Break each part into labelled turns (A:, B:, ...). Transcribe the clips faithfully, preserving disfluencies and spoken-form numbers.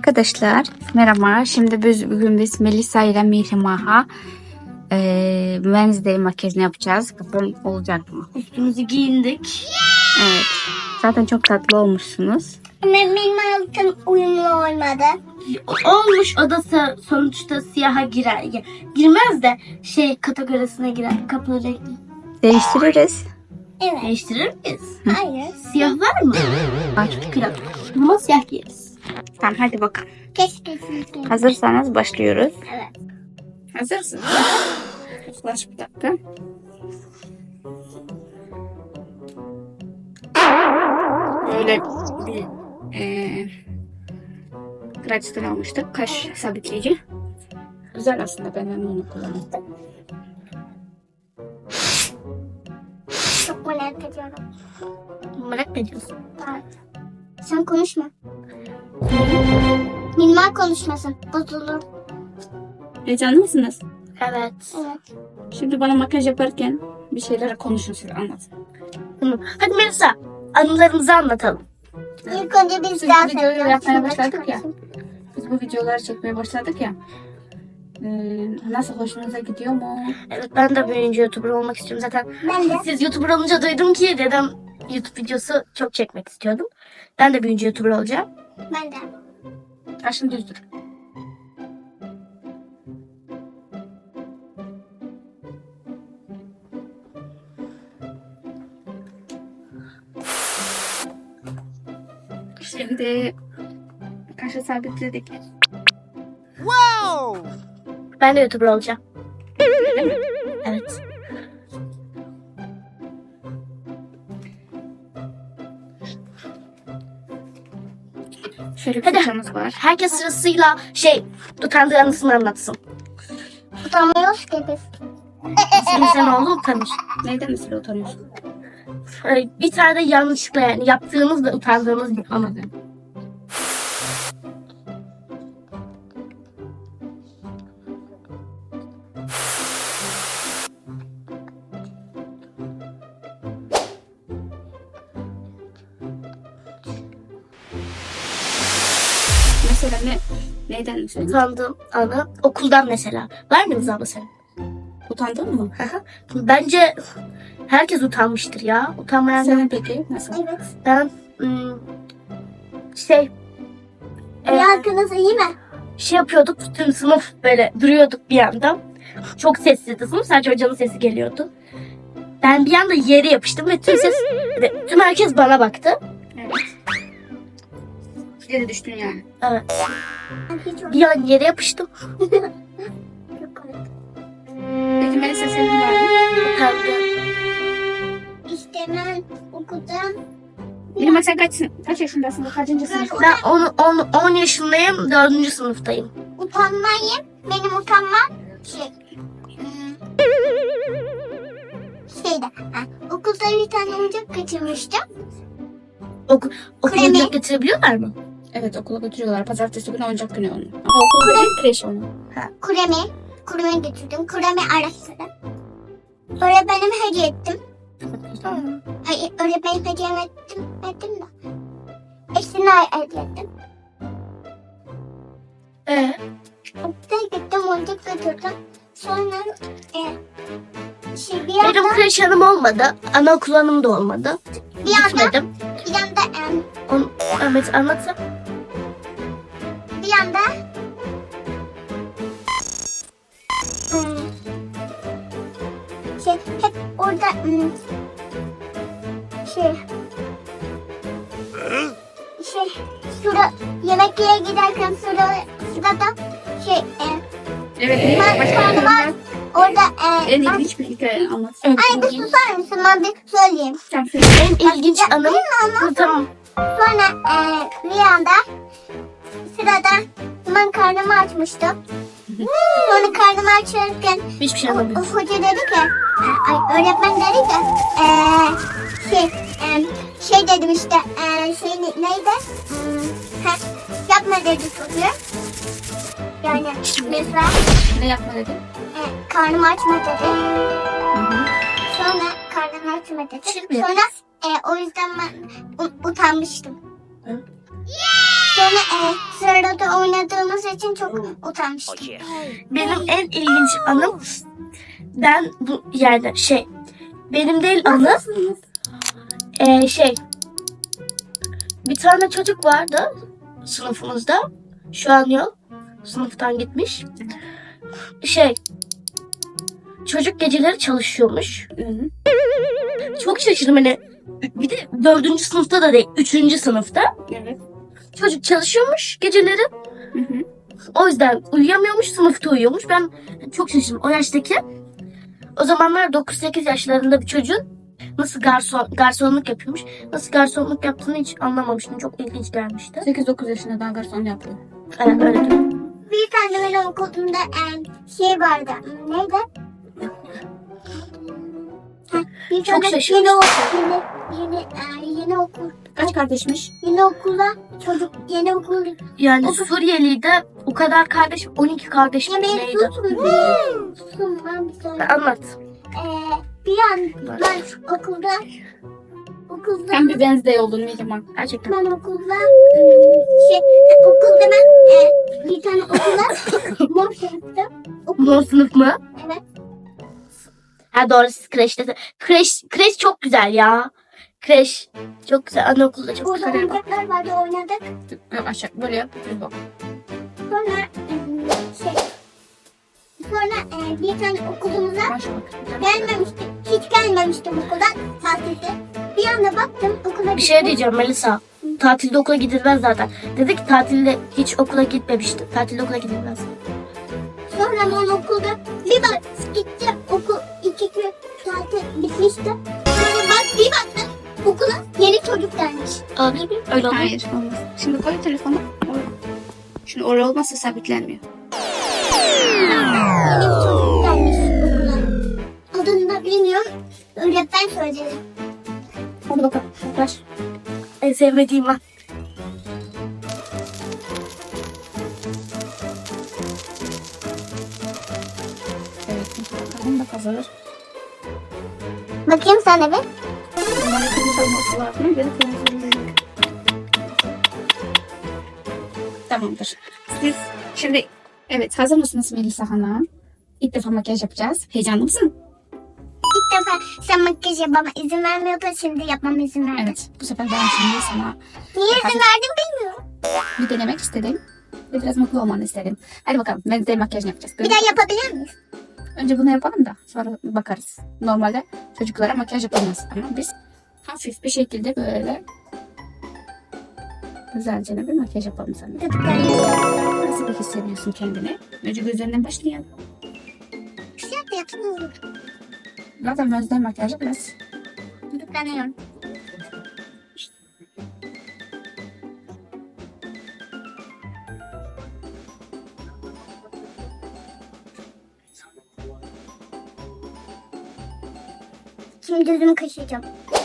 A: Arkadaşlar merhaba. Şimdi biz bugün biz Melisa ile Mihrimah'a e, Wednesday makyajını yapacağız. Bakalım olacak mı?
B: Üstümüzü giyindik.
A: Evet. Zaten çok tatlı olmuşsunuz.
C: Ama benim altım uyumlu olmadı.
B: Olmuş, o da sa- sonuçta siyaha girer. Ya, girmez de şey kategorisine girer. Kapı renkli.
A: Değiştiririz.
C: Evet.
B: Değiştirir miyiz?
C: Hayır.
B: Siyah var mı? Var. Kral. Ama siyah giyeriz.
A: Tamam hadi bakalım.
C: Keşke sizin.
A: Hazırsanız başlıyoruz.
C: Evet.
A: Hazırsınız. Yaklaş bir dakika. Böyle bir e, Gratis'ten almıştık. Kaş sabitleyici. Güzel aslında, ben onu kullandım.
C: Çok merak ediyorum.
B: Merak mı ediyorsun?
C: Evet. Sen konuşma. Minimal konuşmasın. Bozulur.
A: Heyecanlı mısınız?
B: Evet.
C: Evet.
A: Şimdi bana makyaj yaparken bir şeyler konuşun, size anlatın.
B: Tamam. Hadi Melisa, anılarımızı anlatalım.
C: İlk önce biz
A: Biz
C: dans
A: videoyu
C: ediyoruz.
A: yapmaya
C: Şimdi
A: başladık ya.
C: çıkarsın.
A: Biz bu videoları çekmeye başladık ya. Ee, nasıl, hoşunuza gidiyor mu?
B: Evet, ben de büyüyünce YouTuber olmak istiyorum zaten.
C: Ben de.
B: Siz YouTuber olunca duydum ki dedem YouTube videosu çok çekmek istiyordum. Ben de büyüyünce YouTuber olacağım.
C: Ben de.
A: Kaşın düzdür. Şimdi kaşı sabitledik.
B: Ben de YouTuber olacağım. Evet.
A: Şöyle bir
B: Hadi.
A: fırçamız var.
B: Herkes sırasıyla şey utandığı anısını anlatsın.
C: Utanmıyoruz ki biz.
B: Senin sen oğlu utanır.
A: Neyden mesela utanıyorsun?
B: Ee, Bir tane de yanlışlıkla yani yaptığınız ve utandığınız bir anı.
A: Mesela ne? Neyden mesela?
B: Utandığım anı okuldan mesela. Var mı Rıza abla senin?
A: Utandın mı?
B: Bence herkes utanmıştır ya. Utanmayan
A: Sen
B: yok.
A: peki nasıl?
C: Evet.
B: Ben ım, şey
C: Bir
B: e,
C: hakkınız iyi mi?
B: şey yapıyorduk. Tüm sınıf böyle duruyorduk bir anda. Çok sessizdi sınıf. Sadece hocanın sesi geliyordu. Ben bir anda yere yapıştım ve tüm ses ve tüm herkes bana baktı.
A: Evet. Yere düştün yani.
B: Evet.
C: Ben hiç
B: Bir an yere yapıştım.
C: Çok komik.
A: Peki Melisa, senin var mı?
B: Utandım.
C: İşte ben okuldan
A: Bilmem, sen kaç, kaç yaşındasın? Kaçıncı sınıf?
B: Ben on yaşındayım. dördüncü sınıftayım.
C: utanmayayım. Benim utanmam şey. hmm, Şeyde. Ha, okulda bir tane oyuncak kaçırmıştım.
B: Oku, okula
C: Kremi.
B: direkt getirebiliyorlar mı?
A: Evet, okula götürüyorlar. Pazartesi günü oyuncak günü onu. Ama okul değil, kreş onu.
C: Kuremi. Kureme götürdüm. Kuremi araştırdım. Öğretmenime hediye ettim. Hayır, öğretmenime hediye ettim. Ettim de. Eşini hediye ettim.
B: Ee,
C: Okula gittim, oyuncak götürdüm. Sonra e, şey bir
B: benim
C: anda,
B: kreş hanım olmadı. Anaokul hanım da olmadı.
C: bir anda,
B: Gitmedim.
C: bir anda, e,
B: On, Ahmet anlatsın.
C: bir anda hmm, şey hep orada hmm, şey şey sıra yemek yere giderken sıra sırada şey e,
A: Evet,
C: ben
A: başka
C: karnıma orada e,
A: en
C: ben-
A: ilginç bir hikaye anlat.
B: En
C: Ay bir
B: ilginç,
C: susar mısın, ben bir söyleyeyim.
A: Sen söyle.
B: en ilginç anım.
C: Ama
B: Tamam.
C: sonra e, bir anda sırada ben karnımı açmıştım. Sonra karnımı açarken
B: Hiçbir şey
C: o,
B: anlamıyorum.
C: o hoca dedi ki, e, ay, öğretmen dedi ki, e, şey, e, şey dedim işte, e, şey ne- neydi? Hmm, ha, yapma dedi çocuğa. Yani mesela
A: Ne yapma dedi?
C: e, karnımı açma dedi.
A: Hı hı.
C: Sonra karnımı açma dedi.
B: Şimdi
C: Sonra e, o yüzden ben u- utanmıştım.
B: Hı?
C: Sonra e, sırada oynadığımız için çok utanmıştım.
B: Benim en ilginç anım ben bu yerde şey benim değil anı e, şey bir tane çocuk vardı sınıfımızda. Şu an yok. Sınıftan gitmiş. Şey çocuk geceleri çalışıyormuş. Çok şaşırdım hani. Bir de dördüncü sınıfta da değil. Üçüncü sınıfta.
A: Evet.
B: Çocuk çalışıyormuş geceleri.
A: Hı hı.
B: O yüzden uyuyamıyormuş, sınıfta uyuyormuş. Ben çok şaşırdım. O yaştaki o zamanlar dokuz sekiz yaşlarında bir çocuğun nasıl garson garsonluk yapıyormuş. Nasıl garsonluk yaptığını hiç anlamamıştım. Çok ilginç gelmişti.
A: sekiz dokuz yaşında daha garson yapıyor.
B: Evet, öyle diyor.
C: Bir tane benim okulumda e, şey vardı. Neydi? Heh, bir
B: Çok
C: tane
B: şaşırmıştım.
C: yeni, okul, yeni, yeni, e, yeni okul.
A: Kaç kardeşmiş?
C: Yeni okula çocuk yeni okul.
B: Yani
C: O-
B: Suriyeli'de o kadar kardeş, on iki kardeş
C: Ya beni
B: neydi?
C: tutun. bir Tutun ben bir söyleyeyim.
B: Anlat.
C: E, bir an ben okulda okulda
A: Sen bir Wednesday oldun Mihrimah.
B: Gerçekten.
C: ben okulda e, şey okulda ben e, bir tane okula mor sınıfta okul.
B: Mor sınıf mı?
C: Evet.
B: Ha doğru, siz kreşte. Kreş, kreş çok güzel ya. Kreş çok güzel. Anaokulda çok
C: Orada
B: güzel.
C: oyuncaklar vardı oynadık.
A: Yok, aşağı böyle yap. Bir bak.
C: Sonra e, şey sonra e, bir tane okulumuza
A: Başa bak.
C: gelmemişti. Hiç gelmemiştim okuldan tatilde. Bir anda baktım okula
B: Bir şey
C: gittim.
B: diyeceğim Melisa. Tatilde okula gidilmez zaten. Dedi ki tatilde hiç okula gitmemişti. Tatilde okula gidilmez.
C: Sonra ben okulda bir bak gitti okul iki gün tatil bitmişti. Sonra bak bir baktım okula yeni çocuk gelmiş.
B: Olabilir mi? Öyle olur.
A: Hayır olmaz. Şimdi koy telefonu. Şimdi oraya olmazsa sabitlenmiyor.
C: Yeni bir çocuk gelmiş okula. Adını da bilmiyorum. Öğretmen söyledi.
A: Hadi bakalım. Yaklaş.
B: En sevmediğim an.
A: Evet. Bakalım da kazanır.
C: Bakayım sana bir.
A: Bunların kırmızı olması lazım. Göre kırmızı. Tamamdır. Siz şimdi evet hazır mısınız Melisa Hanım? İlk defa makyaj yapacağız. Heyecanlı mısın?
C: İlk defa sen makyaj yapmama izin vermiyordu. Şimdi yapmama izin verdi.
A: Evet. Bu sefer ben şimdi sana
C: Niye izin verdin bilmiyorum.
A: bir denemek istedim. Ve biraz mutlu olmanı istedim. Hadi bakalım. Ben de makyaj yapacağız.
C: Bir daha yapabilir miyiz?
A: Önce bunu yapalım da sonra bakarız. Normalde çocuklara makyaj yapılmaz ama biz hafif bir şekilde böyle güzelce bir makyaj yapalım sana.
C: Gıdıklarım.
A: Nasıl bir hissediyorsun kendini? Önce gözlerinden başlayalım.
C: Güzel de yapsın olur.
A: Zaten gözden makyajı biraz
C: Gıdıklanıyorum. Şimdi gözümü kaşıyacağım.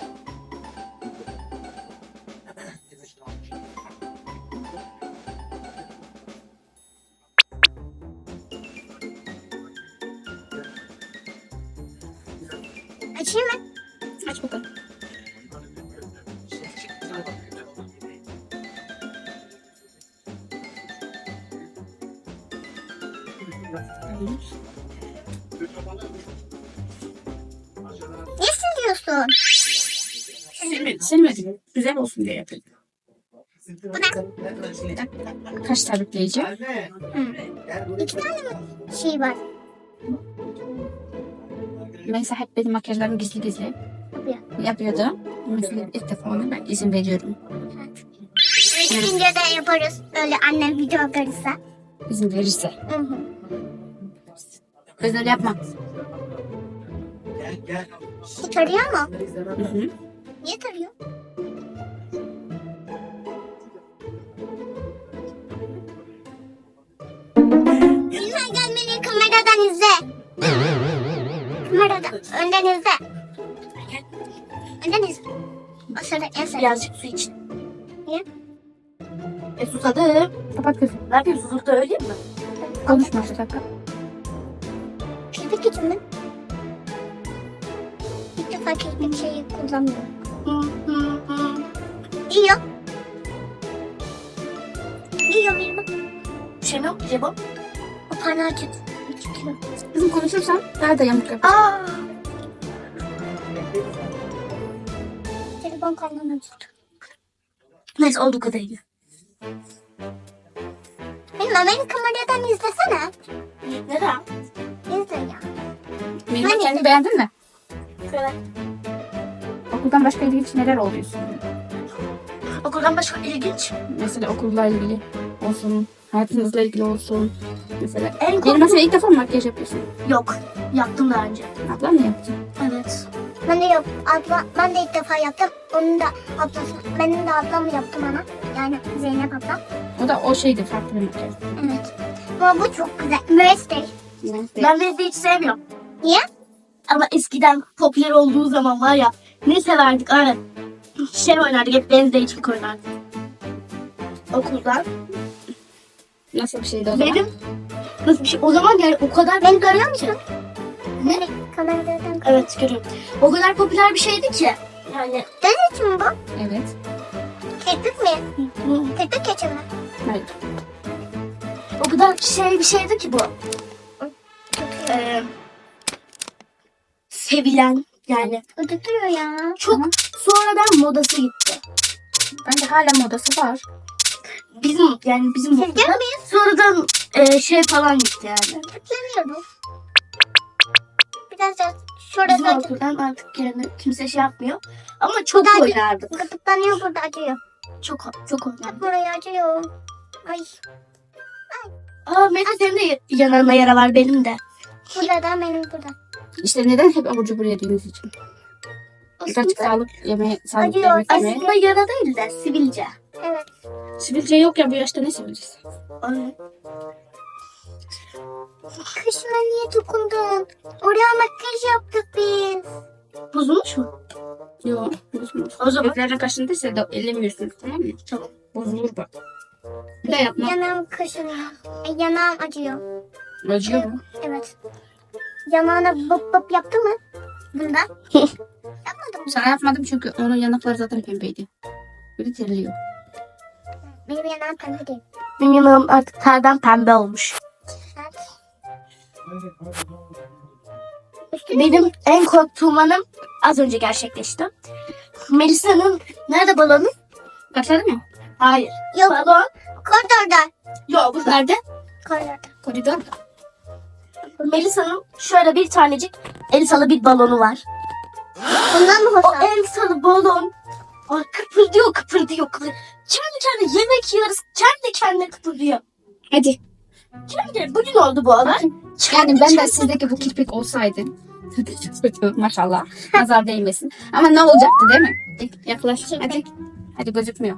C: Açayım mı?
A: aç bakalım.
C: Ne siliyorsun?
A: Silmedim. Silmedim. Güzel olsun diye yapıyorum.
C: Bu ne?
A: Kaş sabitleyici.
C: İki tane mi şey var?
A: Mesela hep benim makyajlarım gizli gizli
C: Yapıyor.
A: yapıyordu. Mesela ilk defa ona ben izin veriyorum.
C: Üçüncü de yaparız. Öyle annem video atarsa.
A: İzin verirse.
C: Hı hı.
A: Gözleri yapma.
C: Bu tarıyor mu?
A: Hı hı.
C: Niye tarıyor? Lütfen gelmeni kameradan izle. Kameradan. Önden izle. Önden izle. O sırada en son.
B: Birazcık su için.
C: Niye?
B: E susadım.
A: Kapat gözünü.
B: Ne yapayım, susuzlukta öleyim mi?
A: Konuşma şu dakika.
C: Kirpik için mi? İlk defa kirpik şeyi kullanmıyorum. Hı hı hı. İyi yok. kilo verme.
B: Şey mi yok ki bu?
C: O para acıt.
A: Kızım konuşursan daha da yamuk yap.
B: Aa,
C: Telefon kaynağına acıt.
B: neyse olduğu kadarıyla.
C: Benim Amerikan Maria'dan izlesene.
B: Neden?
C: İzle ya.
A: Mirima
C: Hani-
A: kendini beğendin mi?
B: Evet.
A: Okuldan başka ilginç neler oluyorsun?
B: Okuldan başka ilginç.
A: Mesela okulla ilgili olsun, hayatınızla ilgili olsun. Mesela
B: En
A: benim
B: korktuğum...
A: mesela ilk defa mı makyaj yapıyorsun?
B: Yok. Yaptım daha önce.
A: Ablam mı yaptı?
B: Evet.
C: Ben de yok. Abla, ben de ilk defa yaptım. Onun da ablası. Benim de ablam yaptı bana. Yani Zeynep ablam.
A: O da o şeydi, farklı bir makyaj.
C: Evet. Ama bu çok güzel. Müesser.
A: Neyse.
B: Ben Wednesday'i hiç sevmiyorum.
C: Niye?
B: Ama eskiden popüler olduğu zaman var ya ne severdik aynen. Şey oynardık hep Wednesday için oynardık. Okuldan.
A: Nasıl bir şeydi o zaman?
B: Benim nasıl bir şey? O zaman yani o kadar beni görüyor musun?
C: Ne? Kameradan.
B: Evet görüyorum. O kadar popüler bir şeydi ki. Yani
C: Dön için mi bu?
A: Evet.
C: Kirpik mi? Kirpik için mi?
A: Hayır.
B: o kadar şey bir şeydi ki bu. Ee, sevilen yani.
C: O tutuyor ya.
B: Çok
A: Tamam.
B: sonradan modası gitti.
A: Bence hala modası var.
B: Bizim yani bizim
C: Siz
B: okulda sonradan e, şey falan gitti yani.
C: Tıklanıyor bu. Biraz da
B: Bizim
C: şurada
B: okuldan artık yani kimse şey yapmıyor. Ama çok
C: Daha-
B: oynardık.
C: gıdıklanıyor, burada acıyor.
B: Çok çok oynardık.
C: Buraya acıyor. Ay.
B: Aa Mete senin de yanağına yara var benim de.
C: Burada da benim burada.
A: İşte neden hep abur cubur yediğimiz için? Birkaç
B: Aslında,
A: sağlık yemeği, sağlıklı
C: Acıyor.
A: yemek yemeye.
B: aslında yara değil de sivilce.
C: Evet.
A: Sivilce yok ya, bu yaşta ne sivilcesi?
B: Ay,
C: Kışına niye dokundun? Oraya makyaj yaptık biz.
B: bozulmuş mu?
A: Yok. Bozulmaz.
B: O zaman-
A: Gözlerine kaşındıysa da ellemiyorsunuz, tamam mı?
B: Tamam.
A: Bozulur bak. Bir de yapma.
C: Yanağım kaşınıyor. E, yanağım acıyor.
A: Acıyor mu?
C: Evet. Yanağına bıp bıp yaptı mı? Bunda. Yapmadım mı?
A: Sana yapmadım çünkü onun yanakları zaten pembeydi. Böyle terliyor.
C: Benim yanağım pembe değil.
B: Benim yanağım artık terden pembe olmuş.
C: Evet. Üstüne
B: Benim en korktuğum anım az önce gerçekleşti. Melisa'nın nerede balonu?
A: Başladı mı?
B: Hayır.
C: Yok.
B: Balon.
C: Koridorda.
B: Yok bu nerede?
C: Koridorda.
A: Koridor.
B: Melisa'nın şöyle bir tanecik Elsa'lı bir balonu var.
C: Bundan mı
B: O
C: hoşlan?
B: Elsa'lı balon ay, kıpırdıyor kıpırdıyor. kıpırdıyor. Kendi kendine yemek yiyoruz. Kendi kendine kıpırdıyor.
A: Hadi.
B: Kendi bugün oldu bu olay.
A: Yani ben de sizdeki bu kirpik olsaydı. Maşallah. Nazar değmesin. Ama ne olacaktı değil mi? Yaklaş. Hadi. Hadi gözükmüyor.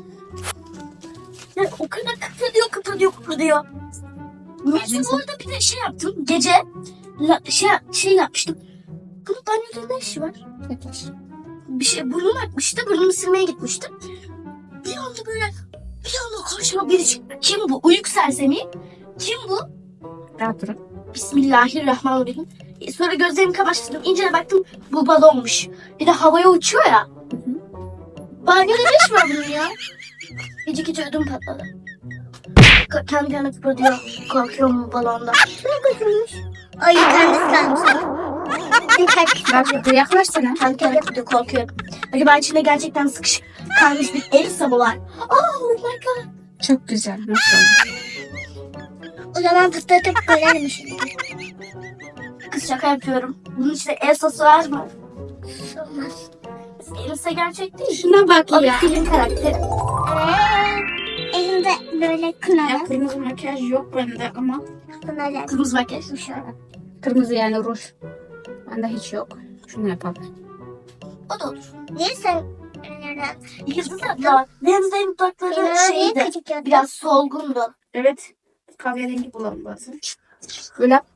B: Yani o kadar kıpırdıyor kıpırdıyor kıpırdıyor. Melisa bu arada bir de şey yaptım. Gece la, şey, şey yapmıştım. Bunun banyoda ne işi var?
A: Yaklaş.
B: Bir şey burnum akmıştı. Burnumu silmeye gitmiştim. Bir anda böyle bir anda karşıma biri çıktı. Kim bu? Uyuk sersemi. Kim bu?
A: Rahat durun.
B: Bismillahirrahmanirrahim. E, Sonra gözlerimi kamaştırdım. İncele baktım bu balonmuş. Bir de havaya uçuyor ya. Banyoda ne iş var bunun ya? Gece gece ödüm patladı. K- kendi kendine kıpırdıyor. Korkuyorum bu balonda.
C: Ne götürmüş? Ay kendisi kalmış.
A: Bak burada yaklaşsana.
B: Kendi kendine kıpırdıyor. Korkuyorum. Acaba içinde gerçekten sıkışık kalmış bir Elsa mı var? Oh my god.
A: Çok güzel. Maşallah.
C: O zaman fıslatıp görelim şimdi.
B: Kız şaka yapıyorum. Bunun içinde Elsa'sı var mı?
C: Olmaz.
B: Elsa gerçek değil.
A: Şuna bak
B: O bir
A: ya.
B: film karakteri.
C: Ee, elimde böyle
A: Ya
C: kınalı.
A: kırmızı makyaj yok bende ama.
C: Kınalı.
B: Kırmızı makyaj.
C: Şöyle.
A: Kırmızı yani ruj. Bende hiç yok. Şunu yapalım.
B: O da olur.
C: Niye sen nereden?
B: Yıldız abla. Wednesday'in dudakları
C: Benim niye
B: şeydi.
C: küçük yaptın?
B: Biraz solgundu.
A: Evet. Kahverengi bulalım bazen. Böyle yap.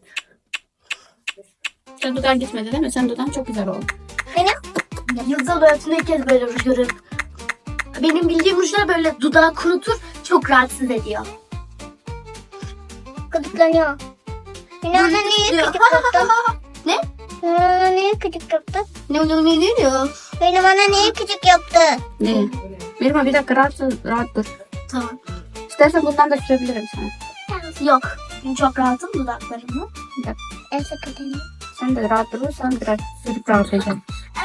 A: Sen dudağın gitmedi değil mi? Sen dudağın çok güzel oldu.
C: Benim
B: Yıldız abla hayatımda ilk kez böyle ruj görüyorum. Benim bildiğim rujlar böyle dudağı kurutur. Çok rahatsız ediyor.
C: gıdıklanıyor. Benim ona niye küçük yaptın?
B: Ne?
C: Benim ona niye küçük yaptın?
B: Ne oluyor ne diyor?
C: Benim ona niye küçük yaptı?
A: Ne? Verme bir dakika rahat, dur, rahat dur.
B: Tamam.
A: İstersen bundan da sürebilirim sana.
B: Yok. Çünkü çok rahatım dudaklarımla.
C: En sakın.
A: Sen de rahat durursan biraz sürüp rahatlayacağım.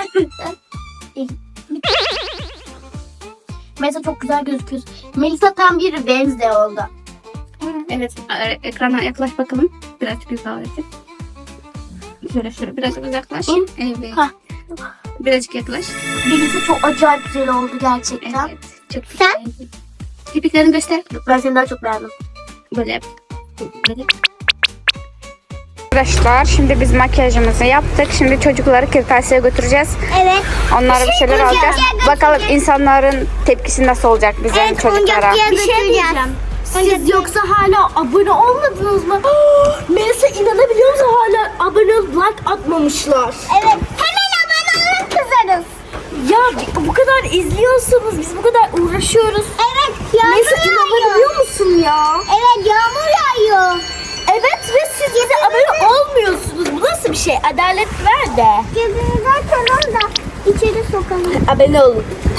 B: Melisa çok güzel gözüküyor. Melisa tam bir Wednesday oldu.
A: Evet, e- ekrana yaklaş bakalım. Birazcık güzel olacak. Şöyle şöyle birazcık uzaklaş.
B: Hı.
A: Evet.
B: Hah.
A: Birazcık yaklaş.
B: Melisa çok acayip güzel oldu gerçekten.
A: Evet. Çok güzel. Kirpiklerini göster.
B: Ben seni daha çok beğendim.
A: Böyle yap. Böyle. Arkadaşlar şimdi biz makyajımızı yaptık. Şimdi çocukları kırtasiyeye götüreceğiz.
C: Evet.
A: Onlara bir şeyler
C: oyuncak
A: alacağız.
C: götüreceğiz.
A: Bakalım insanların tepkisi nasıl olacak bizim
C: Evet,
A: çocuklara.
C: oyuncak
B: Bir şey diyeceğim. Siz yoksa hala abone olmadınız mı? Melisa inanabiliyor musun hala abone olup like atmamışlar?
C: Evet. Hemen abone olun kızarız.
B: Ya bu kadar izliyorsunuz, biz bu kadar uğraşıyoruz.
C: Evet. Yağmur
B: Melisa
C: yağıyor.
B: inanabiliyor musun ya?
C: Evet yağmur yağıyor.
B: Evet ve siz bize abone olmuyorsunuz. Bu nasıl bir şey? Adalet ver de.
C: Gözünüzü açalım da içeri sokalım.
B: Abone olun.